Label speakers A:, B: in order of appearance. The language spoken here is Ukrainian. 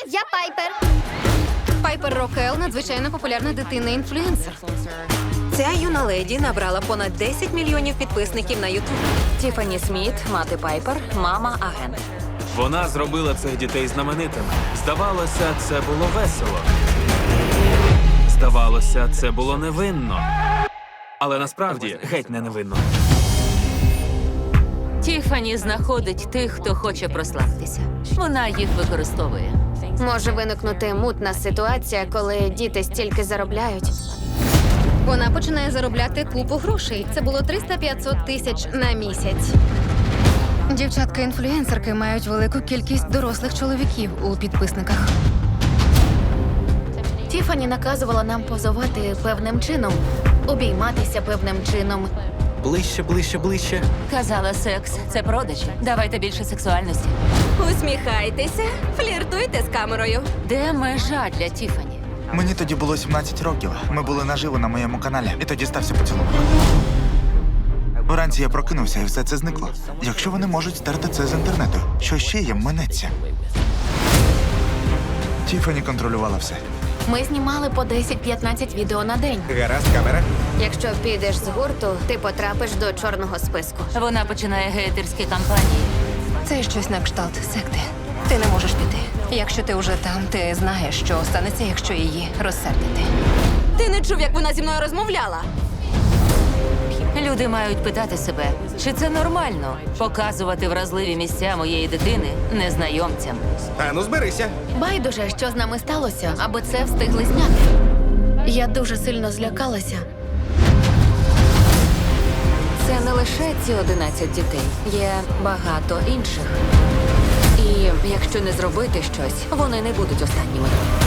A: Я Пайпер.
B: Пайпер Рокел – надзвичайно популярна дитина-інфлюенсер.
C: Ця юна леді набрала понад 10 мільйонів підписників на Ютуб. Тіфані Сміт, мати Пайпер, мама-агент.
D: Вона зробила цих дітей знаменитими. Здавалося, це було весело. Здавалося, це було невинно. Але насправді геть не невинно.
E: Тіфані знаходить тих, хто хоче прославитися. Вона їх використовує.
A: Може виникнути мутна ситуація, коли діти стільки заробляють.
B: Вона починає заробляти купу грошей. Це було 300-500 тисяч на місяць. Дівчатка-інфлюенсерки мають велику кількість дорослих чоловіків у підписниках.
F: Тіфані наказувала нам позувати певним чином, обійматися певним чином.
G: Ближче, ближче, ближче.
E: Казала, секс – це продажі. Давайте більше сексуальності.
C: Усміхайтеся, фліртуйте з камерою.
E: Де межа для Тіфані?
H: Мені тоді було 17 років. Ми були наживо на моєму каналі, і тоді стався поцілунок. Вранці я прокинувся, і все це зникло. Якщо вони можуть стерти це з інтернету, що ще їм минеться? Тіфані контролювала все.
F: Ми знімали по 10-15 відео на день.
G: Гаразд, камера.
A: Якщо підеш з гурту, ти потрапиш до чорного списку.
E: Вона починає гейтерські кампанії.
B: Це щось на кшталт секти. Ти не можеш піти. Якщо ти вже там, ти знаєш, що станеться, якщо її розсердити.
C: Ти не чув, як вона зі мною розмовляла?
E: Люди мають питати себе, чи це нормально показувати вразливі місця моєї дитини незнайомцям.
G: Ану, зберися.
F: Байдуже, що з нами сталося, аби це встигли зняти. Я дуже сильно злякалася.
C: Це не лише ці 11 дітей, є багато інших. І якщо не зробити щось, вони не будуть останніми.